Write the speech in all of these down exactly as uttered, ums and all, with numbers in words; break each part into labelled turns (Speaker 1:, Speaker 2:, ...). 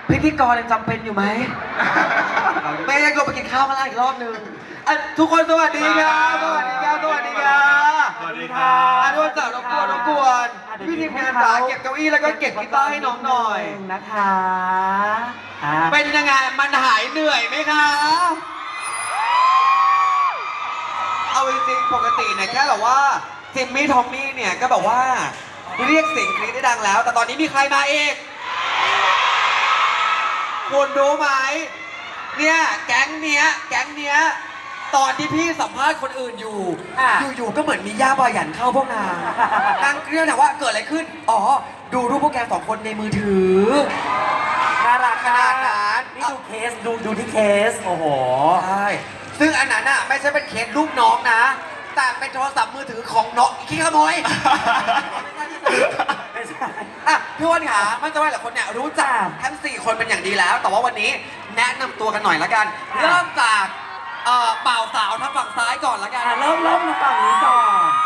Speaker 1: พิธีกรยังจำเป็นอยู่ไหม ไม่ยังลงไปกินข้าวกันแล้วอีกรอบนึงอ่ะทุกคนสวัสดีครับสวัสดีครับสวัสดีครับ
Speaker 2: สวัสดีครับ
Speaker 1: อ่ะทุกคนจ๋ารบกวนรบกวนพี่ทีมงานจ๋าเก็บเก้าอี้แล้วก็เก็บกีตาร์ให้น้องหน่อย
Speaker 3: นะคะอ่า
Speaker 1: เป็นยังไงมันหายเหนื่อยไหมคะ เอาจริงๆปกติเนี่ยแค่แบบว่าจิมมี่ทอมมี่เนี่ยก็แบบว่าเรียกเสียงกรี๊ดได้ดังแล้ว แต่ตอนนี้มีใครมาอีกคุณรู้ไหมเนี่ยแก๊งเนี้ยแก๊งเนี้ยตอนที่พี่สัมภาษณ์คนอื่นอยู่ อยู่ๆก็เหมือนมีย่าบายันเข้าพวกนางนางเรื่องถามว่าเกิดอะไรขึ้นอ๋อดูรูปพวกแกสองคนในมือถือ
Speaker 3: น่ารัก
Speaker 1: ขนาดนั้น
Speaker 3: นี่ดูเคสดูดูที่เคส โอ้โห
Speaker 1: ใช่ ซึ่งอันนั้นอ่ะไม่ใช่เป็นเคสลูกน้องนะ แต่เป็นโทรศัพท์มือถือของน้องขี้ขโมย
Speaker 3: ไม่ใช่
Speaker 1: อ่ะพี่อ้วันขามั่นใจว่าหลายคนเนี่ยรู้จักทั้งสี่คนเป็นอย่างดีแล้ว แต่ว่าวันนี้แนะนำตัวกันหน่อยละกัน เริ่มจากเอ่อบ่าวสาวทางฝั่งซ้ายก่อนละกัน
Speaker 3: อ่ะเริ่มเริ่มมาฝั่งนี้ก่อน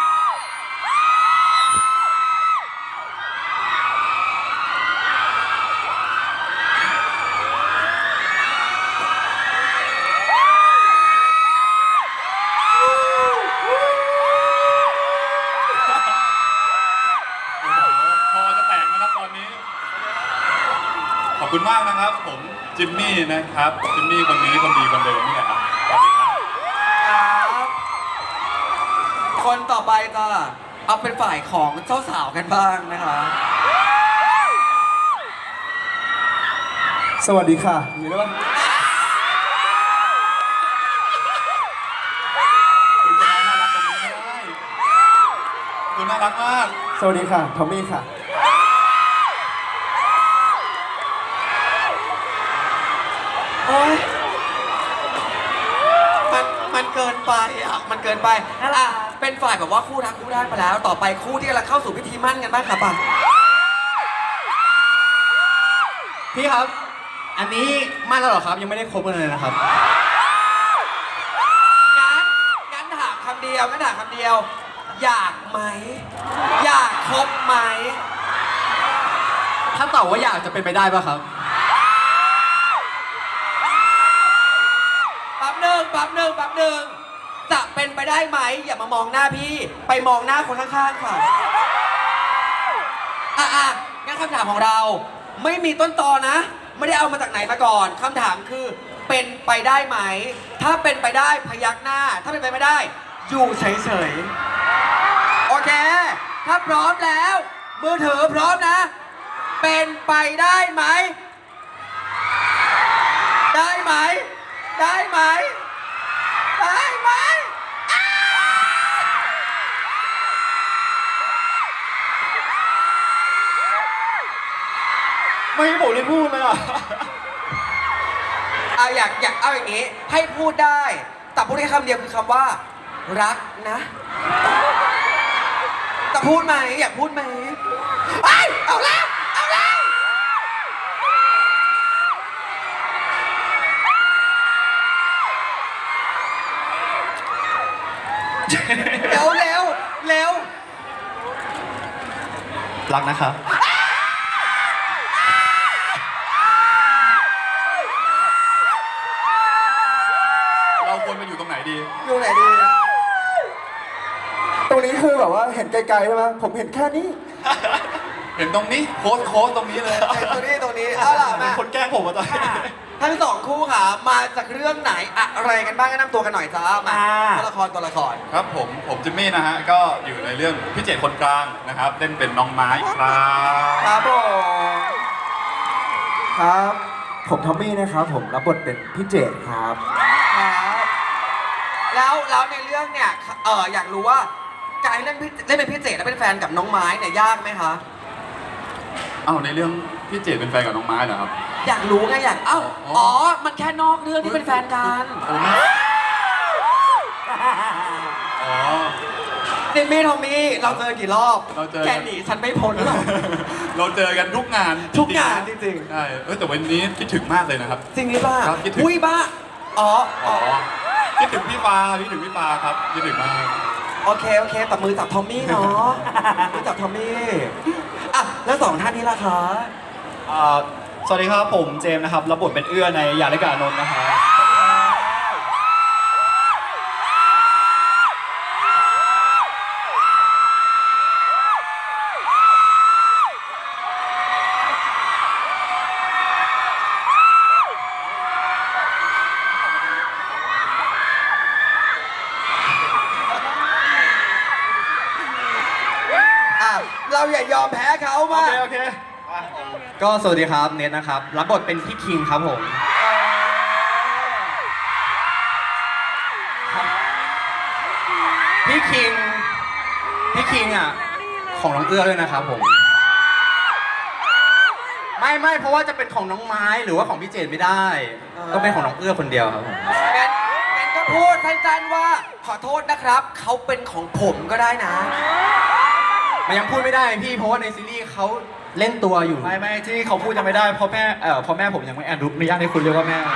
Speaker 2: พอจะแตกนะครับตอนนี้ ขอบคุณมากนะครับ ผมจิมมี่นะครับ จิมมี่คนนี้คนดีคนเดิมนี่แหละครับสวัสดีครับ
Speaker 1: ครับคนต่อไปก็เอาเป็นฝ่ายของเจ้าสาวกันบ้างนะคะ
Speaker 4: สวัสดีค่ะอยู่ได้ปะ
Speaker 2: คุณจะน่ารักตรงนี้ไม่ได้คุณน่ารักมาก
Speaker 4: สวัสดีค่ะ ทอมมี่ค่ะ
Speaker 1: โอ๊ยมันมันเกินไปอ่ะ มันเกินไปอ่ะเป็นฝ่ายแบบว่าคู่รักคู่ได้มาแล้ว ต่อไปคู่ที่กำลังเข้าสู่พิธีมั่นกันบ้างค่ะป่ะ
Speaker 4: พี่ครับ อันนี้มั่นแล้วเหรอครับ ยังไม่ได้คบกันเลยนะครับ
Speaker 1: งั้นงั้นถามคำเดียวงั้นถามคำเดียว อยากไหม อยากคบไหม
Speaker 4: ถ้าตอบว่าอยากจะเป็นไปได้ป่ะครับ
Speaker 1: แป๊บหนึ่งแป๊บหนึ่งแป๊บหนึ่งจะเป็นไปได้ไหม อย่ามามองหน้าพี่ ไปมองหน้าคนข้างๆค่ะอ่ะอ่ะงั้นคำถามของเรา ไม่มีต้นตอนะ ไม่ได้เอามาจากไหนมาก่อนคำถามคือ เป็นไปได้ไหม ถ้าเป็นไปได้พยักหน้า ถ้าเป็นไปไม่ได้ อยู่เฉยๆ โอเค ถ้าพร้อมแล้ว มือถือพร้อมนะ เป็นไปได้ไหม ได้ไหม ได้ไหม ได้ไหม
Speaker 4: ไม่ให้ผมได้พูดเลยอ่ะ
Speaker 1: เอาอยากอยากเอาอย่างนี้ ให้พูดได้ แต่พูดแค่คำเดียวคือคำว่า รักนะแต่พูดไหมอยากพูดไหมไอ้ยเอาแล้ว เอาแล้ว เร็วเร็วเร็ว
Speaker 4: รักนะครับ
Speaker 2: เราควรมาอยู่ตรงไหนดี
Speaker 1: อยู่ไหนดี
Speaker 4: ตรงนี้คือแบบว่าเห็นไกลๆใช่ไหมผมเห็นแค่นี้
Speaker 2: เห็นตรงนี้โค้ดโค้ดตรงนี้เลย
Speaker 1: ไอ้ตัวนี้ตัวนี้เอาล่ะ
Speaker 4: เป็น
Speaker 1: มา
Speaker 4: คนแกล้งผมมาตอนนี้
Speaker 1: ทั้งสองคู่ค่ะ มาจากเรื่องไหนอะไรกันบ้างแนะนำตัวกันหน่อยจ้ามาตัวละครตัวละคร
Speaker 2: ครับผม ผมจิมมี่นะฮะ ก็อยู่ในเรื่องพี่เจตคนกลางนะครับ เล่นเป็นน้องไม้ครับ
Speaker 1: ครับผม
Speaker 4: ครับ ผมทอมมี่นะครับ ผมรับบทเป็นพี่เจดครับ
Speaker 1: ครับแล้วแล้วในเรื่องเนี่ยเอออยากรู้ว่าการเล่นพี่เล่นเป็นพี่เจดและเป็นแฟนกับน้องไม้เนี่ยยากไหมคะ
Speaker 2: เอ้าในเรื่องพี่เจตเป็นแฟนกับน้องไม้เหรอครับ
Speaker 1: อยากรู้ไงอยากเอ้า
Speaker 2: อ๋ออ๋
Speaker 1: อ๋อมันแค่นอกเรื่องที่เป็นแฟนกัน
Speaker 2: โอ้ไม่อ๋อ
Speaker 1: จิมมี่ทอมมี่เราเจอกี่รอบ
Speaker 2: เราเจอ
Speaker 1: แกหนีฉันไม่พ้นหรอก
Speaker 2: เราเจอกันทุกงาน
Speaker 1: ทุกงาน
Speaker 2: ๆ
Speaker 1: จริง
Speaker 2: ใช่เออแต่วันนี้คิดถึงมากเลยนะครับ
Speaker 1: จริงหรือเปล่า
Speaker 2: ครับคิดถึง
Speaker 1: อุ้ยบ้าอ๋ออ๋
Speaker 2: อ๋
Speaker 1: อ
Speaker 2: อคิดถึงพี่ปาคิดถึงพี่ปาครับคิดถึงมาก
Speaker 1: โอเคโอเคตับมือจับทอมมี่เนาะมือจับทอมมี่อ่ะแล้วสองท่านนี้ล่ะคะ
Speaker 4: อ่า
Speaker 5: สวัสดีครับผมเจมส์นะครับรับบทเป็นเอื้อในอย่าเล่นกับอานนท์นะครับ
Speaker 1: อ่ะเราอย่ายอมแพ้เขา
Speaker 5: โอ
Speaker 1: มา
Speaker 5: เคโอเค
Speaker 6: ก็สวัสดีครับเนทนะครับรับบทเป็นพี่คิงครับผมพี่คิงพี่คิงอ่ะของน้องเอื้อด้วยนะครับผมไม่ไม่เพราะว่าจะเป็นของน้องไม้หรือว่าของพี่เจนไม่ได้ต้องเป็นของน้องเอื้อคนเดียวครับผม
Speaker 1: งั้นงั้นก็พูดสั้นๆว่าขอโทษนะครับ เขาเป็นของผมก็ได้นะ
Speaker 6: มันยังพูดไม่ได้พี่เพราะว่าในซีรีส์เขาเล่นตัวอยู่
Speaker 5: ไม่ไม่ที่เขาพูดยังไม่ได้เพราะแม่เอ่อเพราะแม่ผมยังไม่อนุญาตให้คุณเรียกว่าแม่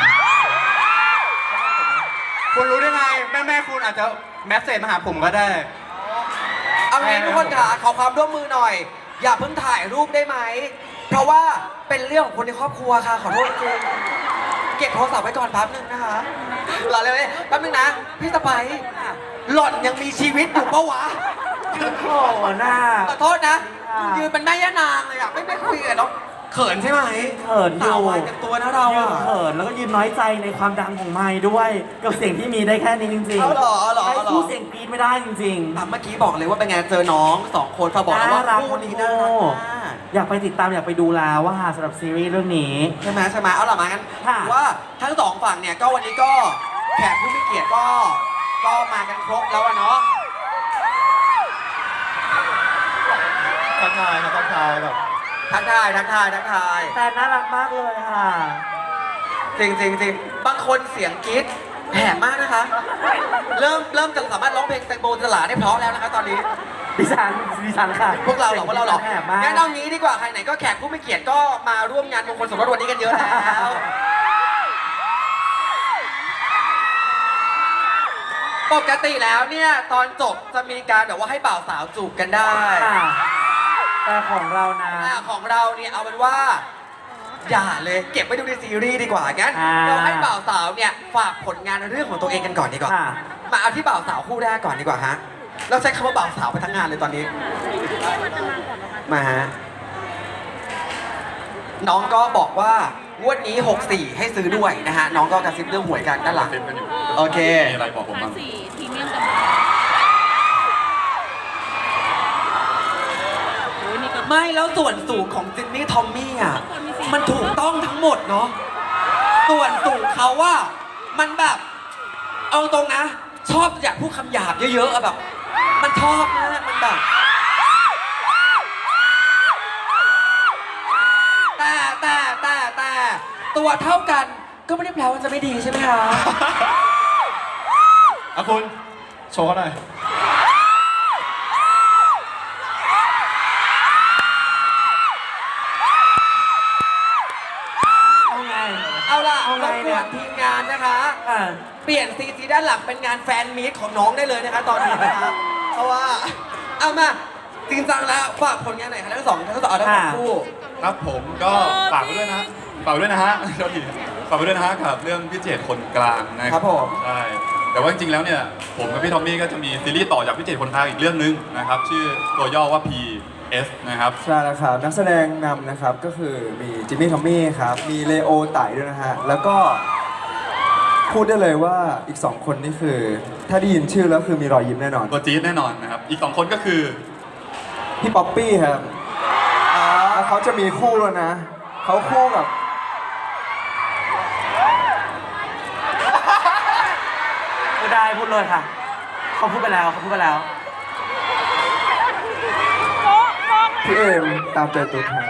Speaker 6: คุณรู้ได้ไงแม่แม่คุณอาจจะแมสเซจมาหาผมก็ได้
Speaker 1: เอางี้ทุกคนค่ะขอความร่วมมือหน่อย อย่าเพิ่งถ่ายรูปได้ไหม เพราะว่าเป็นเรื่องของคนในครอบครัวค่ะ ขอโทษจริงเก็บโทรศัพท์ไว้ก่อนแป๊บนึงนะคะรอเลยแป๊บนึงนะ พี่สไปซ์หล่อนยังมีชีวิตอยู่ปะวะ
Speaker 3: โอ้โหหน้า
Speaker 1: ขอโทษนะ
Speaker 3: ค่ะ
Speaker 1: ยืนเป็นแม่ย่านางเลยอะไม่ไม่คุยกันเนาะเขินใช่ไหม
Speaker 3: เขินอยู่
Speaker 1: สาววายเต็มตัวนะเรา
Speaker 3: ยืน
Speaker 1: อะ
Speaker 3: เขินแล้วก็ยืนน้อยใจในความดังของไม้ด้วย กับเสียงที่มีได้แค่นี้จริงๆ
Speaker 1: เอาเหรอเอาเหรอ
Speaker 3: ให้
Speaker 1: เอาเหรอ
Speaker 3: สู้เสียงกรี๊ดไม่ได้จริง
Speaker 1: อ่ะเมื่อกี้บอกเลยว่าเป็นไงเจอน้องสองคนฝากบอกแล้วว่า
Speaker 3: น่ารัก
Speaker 1: คู่นี้น่ารักมาก
Speaker 3: ๆ อยากไปติดตามอยากไปดูแล้วว่าสำหรับซีรีส์เรื่องนี้
Speaker 1: ใช่ไหมใช่ไหมเอาล่ะมางั้น
Speaker 3: ค่ะ
Speaker 1: ถือว่าทั้งสองฝั่งเนี่ยก็วันนี้ก็แขกผู้มีเกียรติก็ก็มากันครบแล้วอะเนาะ
Speaker 5: ทักทายครับทักทายแบบ
Speaker 1: ทักทายทักทายทักทาย
Speaker 3: แต่น่ารักมากเลยค่ะ
Speaker 1: จริงจริงจริงบางคนเสียงกรี๊ดแหบมากนะคะ เริ่มเริ่มจะสามารถร้องเพลงแตงโมสลาได้เพราะแล้วนะคะตอนนี้
Speaker 3: ดิฉันดิฉันค่ะ
Speaker 1: พวกเราเหรอพวกเราเหรอ
Speaker 3: แหบมาก
Speaker 1: งั้นเอางี้ดีกว่าใครไหนก็แขกผู้มีเกียรติก็มาร่วมงานมงคลสมรสวันนี้กันเยอะแล้ว ปกติแล้วเนี่ยตอนจบจะมีการแบบว่าให้บ่าวสาวจูบกันได้
Speaker 3: ค่ะแต่ของเรานะ
Speaker 1: อ่าของเราเนี่ยเอาเป็นว่า อย่าเลยเก็บไว้ดูในซีรีส์ดีกว่างั้น
Speaker 3: อ่า
Speaker 1: เราให้บ่าวสาวเนี่ยฝากผลงานเรื่องของตัวเองกันก่อนดีกว่า
Speaker 3: ค่ะ
Speaker 1: มาเอาที่บ่าวสาวคู่แรกก่อนดีกว่าฮะเราใช้คำว่าบ่าวสาวไปทั้งงานเลยตอนนี้ มาฮะน้องก็บอกว่างวดนี้หกสี่ให้ซื้อด้วยนะฮะน้องก็กระซิบเรื่องหวยกันด้านหลัง
Speaker 2: เซ็นกันอยู่
Speaker 1: โอเค
Speaker 2: มีอะไรบอกผม
Speaker 7: ห้า
Speaker 2: บ้าง
Speaker 7: สี่พรีเมียมกับโอ้ยนี่ก็
Speaker 1: ไม่แล้วส่วนสูงของจินนี่ทอมมี่อ่ะมันถูกต้องทั้งหมดเนาะส่วนสูงเขาว่ามันแบบ เอาตรงนะ ชอบอยากพูดคำหยาบเยอะๆอะแบบ มันชอบมากมันแบบ แต่แต่แต่แต่ตัวเท่ากันก็ไม่ได้แปลว่าจะไม่ดีใช่ไหมคะ
Speaker 5: อ่ะคุณโชว์เขาหน่อย
Speaker 3: เอาไง
Speaker 1: เอาล่ะ
Speaker 3: เอา
Speaker 1: ร
Speaker 3: ไง
Speaker 1: บก
Speaker 3: เนี่
Speaker 1: วย นทีมงานนะคะ
Speaker 3: อ่า
Speaker 1: เปลี่ยนซีจีด้านหลังเป็นงานแฟนมีตของน้องได้เลยนะคะตอนนี้นะคะเพราะว่าเอามาจริงจังแล้วฝากผลงานไหนอยคะทั้งสองทั้งสองทั้งสองคู่
Speaker 2: ครับผมก็ฝากไว้ด้วยนะฝากไว้ด้วยนะฮะโทษทีฝากไว้ด้วยนะฮะกับเรื่องพี่เจตคนกลางนะครับ
Speaker 1: ผม
Speaker 2: ใช่แต่ว่าจริงๆแล้วเนี่ยผมกับพี่ทอมมี่ก็จะมีซีรีส์ต่อจากพี่เจตคนกลางอีกเรื่องนึงนะครับชื่อตัวย่อว่า พี เอส นะครับ
Speaker 4: ใช่แล้วครับนักแสดงนำนะครับก็คือมีจิมมี่ทอมมี่ครับมีเลโอไต่ด้วยนะฮะแล้วก็พูดได้เลยว่าอีกสองคนนี่คือ ถ้าได้ยินชื่อแล้วคือมีรอยยิ้มแน่นอน
Speaker 2: ตัวจี๊ดแน่นอนนะครับอีกสองคนก็คือ
Speaker 4: พี่ป๊อปปี้ครับแล้วเขาจะมีคู่แล้วนะเขาคู่กับ
Speaker 3: พูดได้พูดเลยค่ะ เขาพูดไปแล้วเขาพูดไปแล้ว
Speaker 4: พี่เอมตามใจตัวแทน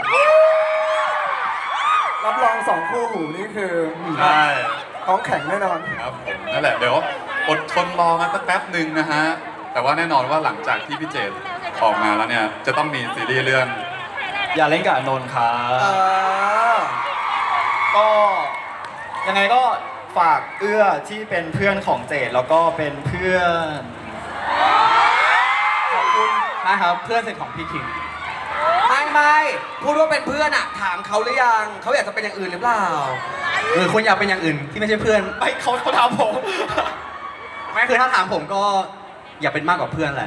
Speaker 4: รับรองสองคู่หูนี่คือ
Speaker 2: ใช่
Speaker 4: ท้องแข็งแน่นอน
Speaker 2: ครับผมนั่นแหละเดี๋ยวอดทนรอกันสักแป๊บหนึ่งนะฮะแต่ว่าแน่นอนว่าหลังจากที่พี่เจตออกมาแล้วเนี่ยจะต้องมีซีรีส์เรื่อง
Speaker 5: อย่าเล่นกับอานนท์ครั
Speaker 1: เอบ อ
Speaker 5: ก็ยังไงก็ฝากเอื้อที่เป็นเพื่อนของเจดแล้วก็เป็นเพื่อนขอบคุณ
Speaker 6: นะครับเพื่อนสนิทของพี่คิง
Speaker 1: ไม่ไม่ไม่พูดว่าเป็นเพื่อนอะถามเขาหรือยังเขาอยากจะเป็นอย่างอื่นหรือเปล่า
Speaker 6: หรือคุณอยากเป็นอย่างอื่นที่ไม่ใช่เพื่อน
Speaker 5: ไม่เขาเขาถามผม
Speaker 6: ไม่คือถ้าถามผมก็อยากเป็นมากกว่าเพื่อนแหละ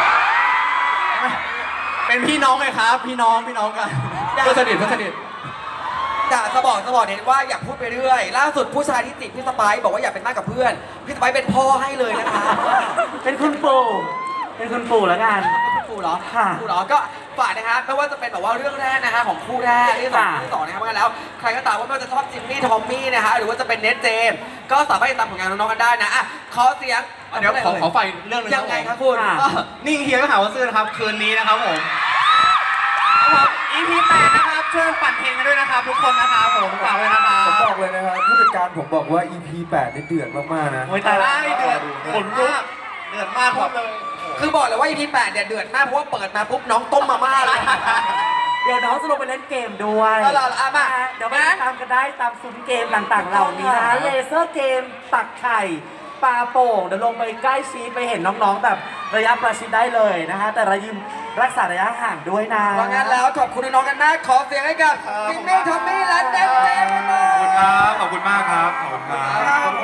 Speaker 6: เป็นพี่น้องไงครับ พี่น้องพี่น้องกันเพื่อนสนิทเพื่อนสนิท
Speaker 1: แต่จะบอกจะบอกเน้นว่าอย่าพูดไปเรื่อย ล่าสุดผู้ชายที่ติดพี่สไปซ์บอกว่าอยากเป็นมากกับเพื่อน พี่สไปซ์เป็นพ่อให้เลยนะคะ
Speaker 3: เป็นคุณปู่เป็นคุณปู่แล้วกัน
Speaker 1: คุณปู่เหรอ
Speaker 3: ค่ะ
Speaker 1: ปู่เหรอ ก็ฝากนะคะไม่ว่าจะเป็นแบบว่าเรื่องแรกนะคะของคู่แรกเรื่องสอง
Speaker 3: ค่ะ
Speaker 1: เรื่องสองนะครับเพราะงั้นแล้ว ใครก็ตามว่าไม่ว่าจะชอบจิมมี่ทอมมี่นะคะหรือว่าจะเป็นเนทเจมส์ก็สามารถติดตามผลงานน้องๆกันได้นะอ่ะขอเสียง
Speaker 6: เดี๋ยวขอขอไฟเรื่องหนึง
Speaker 1: ยังไงครับคุณ
Speaker 3: ค่ะ
Speaker 6: ก็นิ่งเฮียก็หาว่าซื่อนะครับ คืนนี้นะครับผมครับผม อี พี แปดนะครับช่วยปั่นเพลงกันด้วยนะครับทุกคนนะครับผมฝากไว้นะครั
Speaker 4: ผม
Speaker 6: บ
Speaker 4: บอกเลยนะครับผู้จัดการผมบอกว่า อี พี แปดนี่เดือดมากๆนะ
Speaker 3: โอ้ยตายละ
Speaker 6: ได้เดือดขนลุกเดือดมากครับเลย
Speaker 1: คือบอกเลยว่า อี พี แปดเนี่ยเดือดมากเพราะว่าเปิดมาปุ๊บน้องต้มมาม่าเลย
Speaker 3: เดี๋ยวน้องจะลงไปเล่นเกมด้วย
Speaker 1: เอาล่ะเอามา
Speaker 3: เดี๋ยวไปติดตามกันได้ตามซุ้มเกมต่างๆ เหล่านี้นะเลเซอร์เกมตักไข่ปลาโป่งเดี๋ยวลงไปใกล้ชิดไปเห็นน้องๆแบบระยะประชิดได้เลยนะฮะแต่ระยิมรักษาระยะห่างด้วยนะ
Speaker 1: เพราะงั้นแล้วขอบคุณน้องๆกันมากขอเสียงให้กับจิมมี่ทอมมี่และเดนเจมส์
Speaker 2: ขอบคุณครับ ขอบคุณมากครับ ขอบคุณครับ